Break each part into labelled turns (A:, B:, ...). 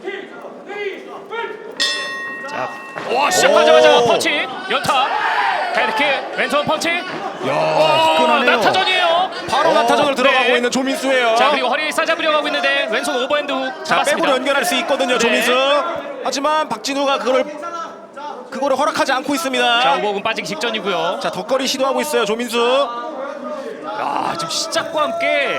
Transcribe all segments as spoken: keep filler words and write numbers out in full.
A: 자,
B: 와, 시작하자마자 펀치 연타 헤드킥 왼손 펀치.
A: 야,
B: 와,
A: 화끈하네요.
B: 낙타전이에요.
C: 바로
A: 어.
C: 난타전으로 들어가고
B: 네.
C: 있는 조민수예요.
B: 자, 그리고 허리 싸잡으려고 하고 있는데 왼손 오버핸드 훅
C: 자,
B: 잡았습니다.
C: 백으로 연결할 수 있거든요,
B: 네.
C: 조민수. 하지만 박진우가 그걸 그거를 허락하지 않고 있습니다.
B: 자, 오버훅은 빠지기 직전이고요.
C: 자, 덧거리 시도하고 있어요, 조민수.
B: 아, 지금 시작과 함께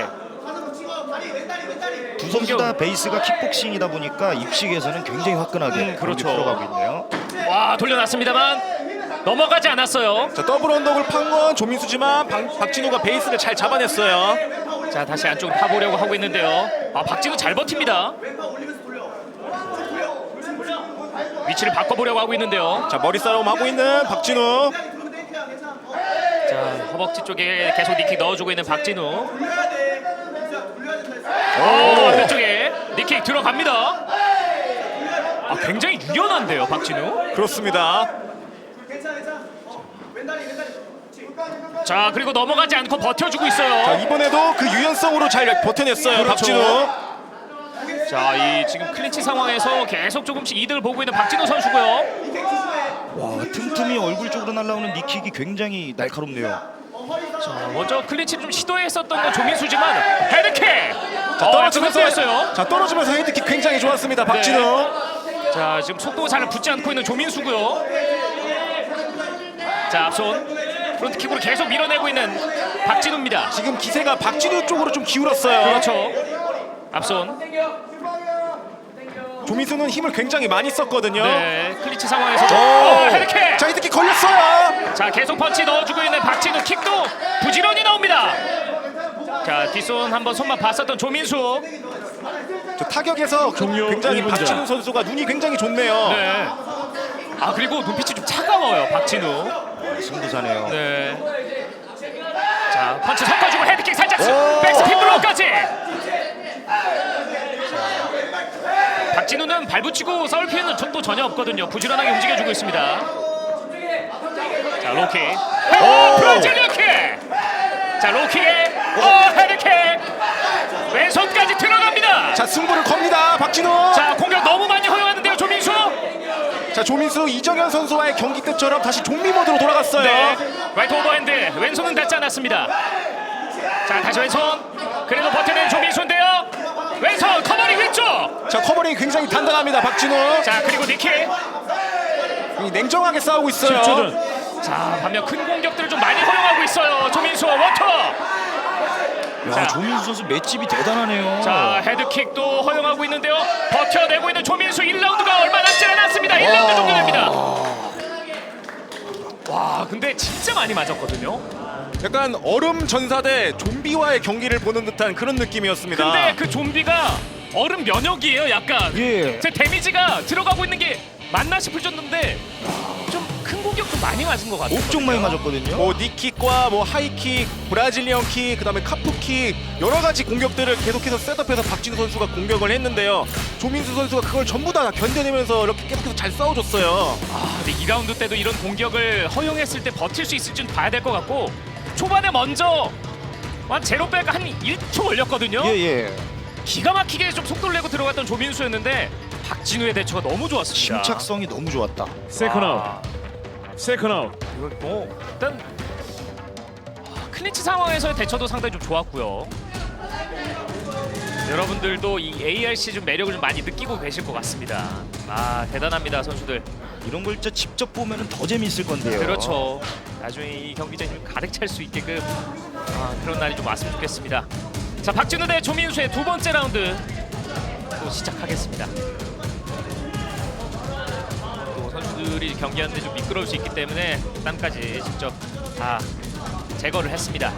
A: 두 선수 다 베이스가 킥복싱이다 보니까 입식에서는 굉장히 화끈하게
B: 음, 그렇죠.
A: 공이 들어가고 있네요.
B: 와, 돌려놨습니다만 넘어가지 않았어요.
C: 자, 더블 언덕을 판 건 조민수지만 박, 박진우가 베이스를 잘 잡아냈어요.
B: 자, 다시 안쪽으로 파보려고 하고 있는데요. 아, 박진우 잘 버팁니다. 위치를 바꿔보려고 하고 있는데요.
C: 자, 머리 싸움 하고 있는 박진우.
B: 자, 허벅지 쪽에 계속 니킥 넣어주고 있는 박진우. 오, 반대쪽에 니킥 들어갑니다. 아, 굉장히 유연한데요, 박진우.
C: 그렇습니다.
B: 자, 그리고 넘어가지 않고 버텨주고
C: 자,
B: 있어요.
C: 이번에도 그 유연성으로 잘 버텨냈어요,
B: 그렇죠.
C: 박진우.
B: 자, 이 지금 클린치 상황에서 계속 조금씩 이득을 보고 있는 박진우 선수고요.
A: 와, 틈틈이 얼굴 쪽으로 날아오는 니킥이 굉장히 날카롭네요.
B: 자, 먼저 클린치 좀 시도했었던 건 조민수지만 헤드킥.
C: 자,
B: 어,
C: 떨어지면서
B: 했어요.
C: 자, 떨어지면서 헤드킥 굉장히 좋았습니다, 박진우.
B: 자, 지금 속도 잘 붙지 않고 있는 조민수고요. 자, 앞손 프론트킥으로 계속 밀어내고 있는 박진우입니다.
C: 지금 기세가 박진우 쪽으로 좀 기울었어요.
B: 그렇죠. 앞손.
C: 조민수는 힘을 굉장히 많이 썼거든요.
B: 네, 클린치 상황에서
C: 오!
B: 어, 헤드킥.
C: 자, 헤드킥 걸렸어요.
B: 자, 계속 펀치 넣어주고 있는 박진우. 킥도 부지런히 나옵니다. 자, 뒷손 한번 손만 봤었던 조민수.
C: 저 타격에서 그 굉장히
B: 일 분전.
C: 박진우 선수가 눈이 굉장히 좋네요.
B: 네. 아, 그리고 눈빛이 좀 차가워요, 박진우.
A: 승부사네요.
B: 네. 자, 펀치 섞어주고 헤드킥 살짝
C: 오!
B: 백스핀 블로우까지. 박진우는 발붙이고 싸울 필요는 또 전혀 없거든요. 부지런하게 움직여주고 있습니다. 자, 로킥. 오, 브라질 로킥. 자, 로킥에 오, 헤드킥. 왼손까지 들어갑니다.
C: 자, 승부를 겁니다, 박진우.
B: 자, 공격 너무 많이 허용하는데요, 조민수.
C: 자, 조민수 이정현 선수와의 경기 때처럼 다시 좀비 모드로 돌아갔어요.
B: 네. 라이트 오버핸드. 왼손은 닿지 않았습니다. 자, 다시 왼손. 그래도 버텨낸 조민수인데요. 왼손 커버링 위쪽.
C: 자, 커버링이 굉장히 단단합니다, 박진우.
B: 자, 그리고 니킥.
C: 이 냉정하게 싸우고 있어요.
B: 자, 반면 큰 공격들을 좀 많이 허용하고 있어요. 조민수 워터.
A: 야,
B: 자.
A: 조민수 선수 맷집이 대단하네요.
B: 자, 헤드킥도 허용하고 있는데요. 버텨내고 있는 조민수. 일 라운드가 얼마 남지 않았습니다. 일 라운드 정도 됩니다. 와, 근데 진짜 많이 맞았거든요.
C: 약간 얼음 전사대 좀비와의 경기를 보는 듯한 그런 느낌이었습니다.
B: 근데 그 좀비가 얼음 면역이에요, 약간.
A: 예.
B: 제 데미지가 들어가고 있는 게 맞나 싶을 정도인데 좀 큰 공격도 많이 맞은 것 같아요.
A: 옥쪽 많이 맞았거든요.
C: 뭐 니킥과 뭐 하이킥, 브라질리언 킥, 그다음에 카프킥 여러 가지 공격들을 계속해서 셋업해서 박진우 선수가 공격을 했는데요. 조민수 선수가 그걸 전부 다 견뎌내면서 이렇게 계속해서 잘 싸워줬어요.
B: 아, 근데 이 라운드 때도 이런 공격을 허용했을 때 버틸 수 있을지는 봐야 될 것 같고 초반에 먼저 한 제로백 한 일 초 걸렸거든요.
A: 예, 예.
B: 기가 막히게 좀 속도를 내고 들어갔던 조민수였는데 박진우의 대처가 너무 좋았습니다.
A: 침착성이 너무 좋았다.
D: 세컨 아웃.
B: 아,
D: 세컨 아웃.
B: 이거 뭐 일단 아, 클린치 상황에서의 대처도 상당히 좀 좋았고요. 여러분들도 이 에이알씨 좀 매력을 좀 많이 느끼고 계실 것 같습니다. 아, 대단합니다, 선수들.
A: 이런 걸 진짜 직접 보면 더 재미있을 건데요.
B: 그렇죠. 나중에 이 경기장이 좀 가득 찰 수 있게끔 아, 그런 날이 좀 왔으면 좋겠습니다. 자, 박진우 대 조민수의 두 번째 라운드 또 시작하겠습니다. 또 선수들이 경기하는데 좀 미끄러울 수 있기 때문에 땀까지 직접 다 제거를 했습니다.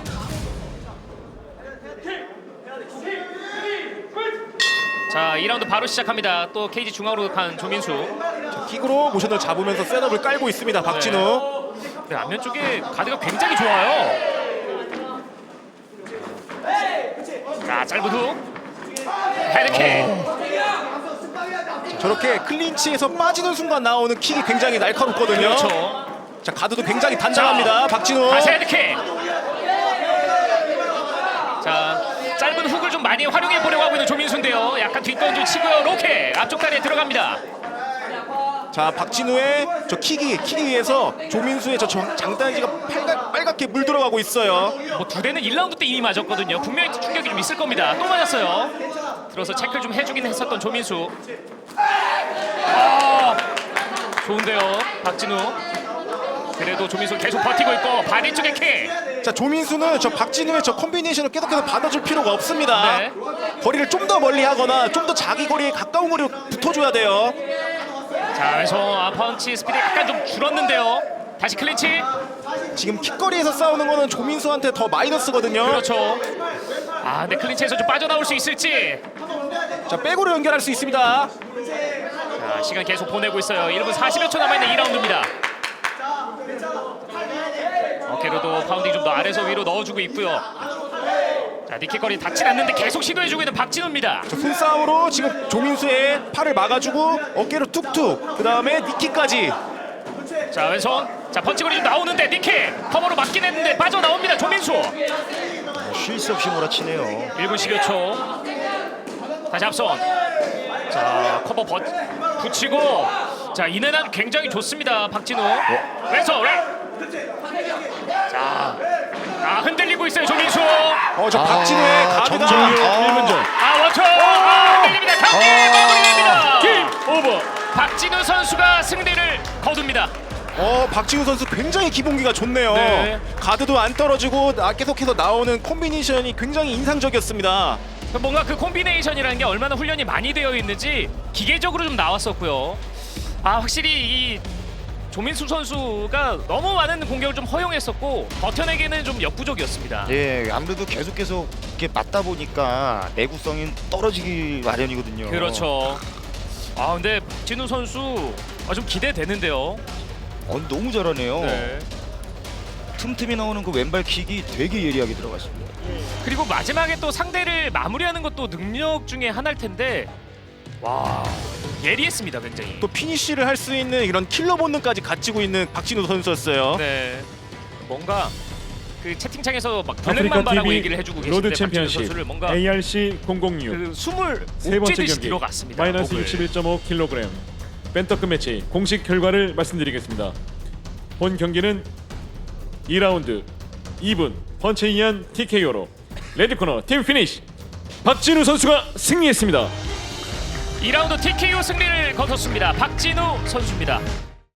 B: 자, 이 라운드 바로 시작합니다. 또 케이지 중앙으로 간 조민수.
C: 자, 킥으로 모션을 잡으면서 셋업을 깔고 있습니다, 박진우.
B: 네, 앞면 쪽에 가드가 굉장히 좋아요. 자, 짧은 훅. 헤드킥.
C: 저렇게 클린치에서 빠지는 순간 나오는 킥이 굉장히 날카롭거든요.
B: 그렇죠.
C: 자, 가드도 굉장히 단단합니다, 박진우.
B: 다시 헤드킥. 자, 짧은 짧은 훅을 좀 많이 활용해 보려고 하고 있는 조민수인데요. 약간 뒷던질 치고요. 로켓 앞쪽 다리에 들어갑니다.
C: 자, 박진우의 저 킥이 킥에 의해서 조민수의 저 정- 장단지가 빨갛, 빨갛게 물들어가고 있어요.
B: 뭐 두 대는 일 라운드 때 이미 맞았거든요. 분명히 충격이 좀 있을 겁니다. 또 맞았어요. 들어서 체크를 좀 해주긴 했었던 조민수. 아, 좋은데요, 박진우. 그래도 조민수 계속 버티고 있고 바디 쪽에 킥.
C: 자, 조민수는 저 박진우의 저 콤비네이션을 계속해서 받아줄 필요가 없습니다.
B: 네.
C: 거리를 좀 더 멀리 하거나 좀 더 자기 거리에 가까운 거리로 붙어줘야 돼요.
B: 자, 왼손 아, 펀치 스피드 약간 좀 줄었는데요. 다시 클린치.
C: 지금 킥거리에서 싸우는 거는 조민수한테 더 마이너스거든요.
B: 그렇죠. 아, 근데 클린치에서 좀 빠져나올 수 있을지.
C: 자, 백으로 연결할 수 있습니다.
B: 자, 시간 계속 보내고 있어요. 일 분 사십여 초 남아있는 이 라운드입니다. 어깨로도 파운딩 좀 더 아래서 위로 넣어주고 있고요. 자, 니킥거리 닿진 않는데 계속 시도해주고 있는 박진우입니다.
C: 저 손싸움으로 지금 조민수의 팔을 막아주고 어깨로 툭툭, 그 다음에 니킥까지.
B: 자, 왼손. 자, 펀치거리 좀 나오는데 니킥 커버로 맞긴 했는데 빠져나옵니다. 조민수.
A: 쉴 새 없이 몰아치네요.
B: 일 분 십여 초. 다시 앞선. 자, 커버 버, 붙이고. 자, 이내난 굉장히 좋습니다. 박진우. 왼손. 왼. 자, 아, 흔들리고 있어요. 조민수.
C: 어, 저
A: 아,
C: 박진우의 가드가
A: 정정이-
D: 일 분 전.
B: 아, 원초. 아, 흔들립니다. 경기 마무리됩니다.
D: 게임 오버.
B: 박진우 선수가 승리를 거둡니다.
C: 어, 박진우 선수 굉장히 기본기가 좋네요.
B: 네.
C: 가드도 안 떨어지고 나- 계속해서 나오는 콤비네이션이 굉장히 인상적이었습니다.
B: 뭔가 그 콤비네이션이라는 게 얼마나 훈련이 많이 되어 있는지 기계적으로 좀 나왔었고요. 아, 확실히 이 조민수 선수가 너무 많은 공격을 좀 허용했었고 버텨내기는 좀 역부족이었습니다.
A: 예, 아무래도 계속해서 이렇게 맞다 보니까 내구성이 떨어지기 마련이거든요.
B: 그렇죠. 아, 근데 진우 선수 아, 좀 기대되는데요.
A: 어, 너무 잘하네요.
B: 네.
A: 틈틈이 나오는 그 왼발 킥이 되게 예리하게 들어갔습니다.
B: 그리고 마지막에 또 상대를 마무리하는 것도 능력 중에 하나일 텐데 와, 예리했습니다. 굉장히.
C: 또 피니쉬를 할 수 있는 이런 킬러 본능까지 가지고 있는 박진우 선수였어요.
B: 네. 뭔가 그 채팅창에서 막
D: 아프리카
B: 블랙맘바라고
D: 티비
B: 얘기를 해주고 계신데
D: 로드
B: 박진우
D: 챔피언십
B: 선수를 뭔가
D: 에이알씨 공공육
B: 그 숨을
D: 세
B: 못
D: 번째
B: 쬐듯이
D: 경기
B: 들어갔습니다.
D: 마이너스
B: 목을.
D: 육십일 점 오 킬로그램 벤터급 매치 공식 결과를 말씀드리겠습니다. 본 경기는 이 라운드 이 분 펀치에 의한 티케이오로 레드코너 팀 피니쉬 박진우 선수가 승리했습니다.
B: 이 라운드 티케이오 승리를 거뒀습니다. 박진우 선수입니다.